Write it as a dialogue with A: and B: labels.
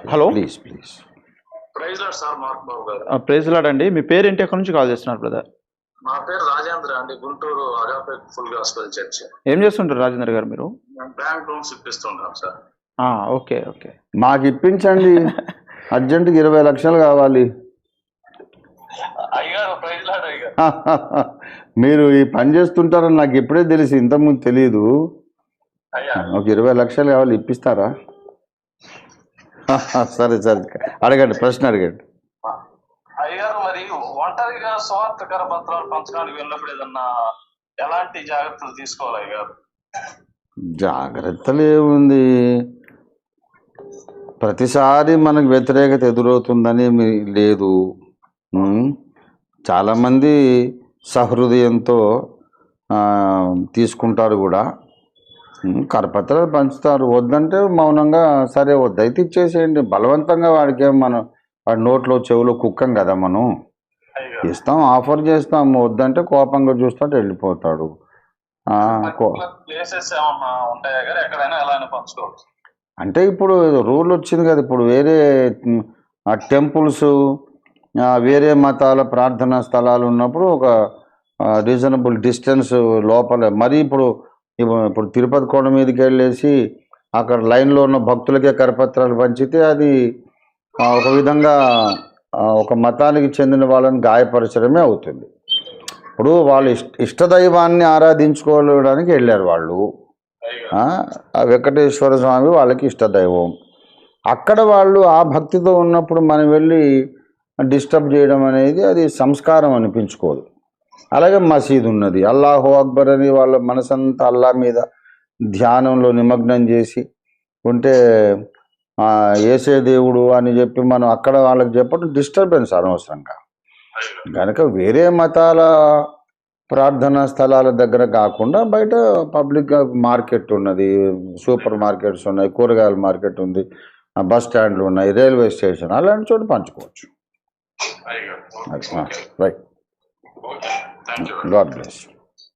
A: Hello
B: please please.
C: Praise lord sir mark బాబు గారు.
A: Praise lord అండి. మీ పేరు ఏంటి, ఎక్కడి నుంచి కాల్ చేస్తున్నారు బ్రదర్?
C: నా పేరు రాజేంద్ర అండి, Guntur Agape full gospel church.
A: ఏం చేస్తుంటారు రాజేంద్ర గారు మీరు?
C: నేను బ్యాంక్ లోన్స్ ఇప్పిస్తుంటాను సార్.
A: Okay okay.
B: మాకు ఇప్పించండి, అర్జెంటుగా 20 లక్షలు కావాలి.
C: అయ్యారు ప్రైజ్ లాడ్ అయ్యారు.
B: మీరు ఈ పని చేస్తుంటారని నాకు ఎప్పుడే తెలిసి, ఇంతకుముందు తెలియదు.
C: అయ్యా
B: ఒక 20 లక్షలు కావాలి, ఇప్పిస్తారా? సరే సరే, అడగండి, ప్రశ్న అడగండి.
C: అయ్యారు, మరి ఒంటరిగా స్వార్థకర పత్రాలు పంచడానికి వెళ్ళినప్పుడు ఏదన్నా ఎలాంటి జాగ్రత్తలు తీసుకోవాలి అయ్యారు?
B: జాగ్రత్తలు ఏముంది, ప్రతిసారి మనకు వ్యతిరేకత ఎదురవుతుందని లేదు. చాలామంది సహృదయంతో తీసుకుంటారు కూడా. కరపత్రాలు పంచుతారు, వద్దంటే మౌనంగా సరే వద్దయితే ఇచ్చేసేయండి. బలవంతంగా వాడికి వాడి నోట్లో చెవులో కుక్కం కదా మనం. ఇస్తాం, ఆఫర్ చేస్తాం, వద్దంటే కోపంగా చూస్తాడు, వెళ్ళిపోతాడు. అంటే ఇప్పుడు రూల్ వచ్చింది కదా, ఇప్పుడు వేరే టెంపుల్స్, వేరే మతాల ప్రార్థనా స్థలాలు ఉన్నప్పుడు ఒక రీజనబుల్ డిస్టెన్స్ లోపల. మరి ఇప్పుడు తిరుపతి కొండ మీదకి వెళ్ళేసి అక్కడ లైన్లో ఉన్న భక్తులకే కరపత్రాలు పంచితే అది ఒక విధంగా ఒక మతానికి చెందిన వాళ్ళని గాయపరచడమే అవుతుంది. ఇప్పుడు వాళ్ళు ఇష్టదైవాన్ని ఆరాధించుకోవడానికి వెళ్ళారు వాళ్ళు. వెంకటేశ్వర స్వామి వాళ్ళకి ఇష్టదైవం. అక్కడ వాళ్ళు ఆ భక్తితో ఉన్నప్పుడు మనం వెళ్ళి డిస్టర్బ్ చేయడం అనేది అది సంస్కారం అనిపించుకోదు. అలాగే మసీదు ఉన్నది, అల్లాహు అక్బర్ అని వాళ్ళ మనసంతా అల్లా మీద ధ్యానంలో నిమగ్నం చేసి ఉంటే ఏసే దేవుడు అని చెప్పి మనం అక్కడ వాళ్ళకి చెప్పడం డిస్టర్బెన్స్ అనవసరంగా. కనుక వేరే మతాల ప్రార్థనా స్థలాల దగ్గర కాకుండా బయట పబ్లిక్ మార్కెట్ ఉన్నది, సూపర్ మార్కెట్స్ ఉన్నాయి, కూరగాయల మార్కెట్ ఉంది, బస్ స్టాండ్లు ఉన్నాయి, రైల్వే స్టేషన్, అలాంటి చోట పంచుకోవచ్చు. Right, god bless.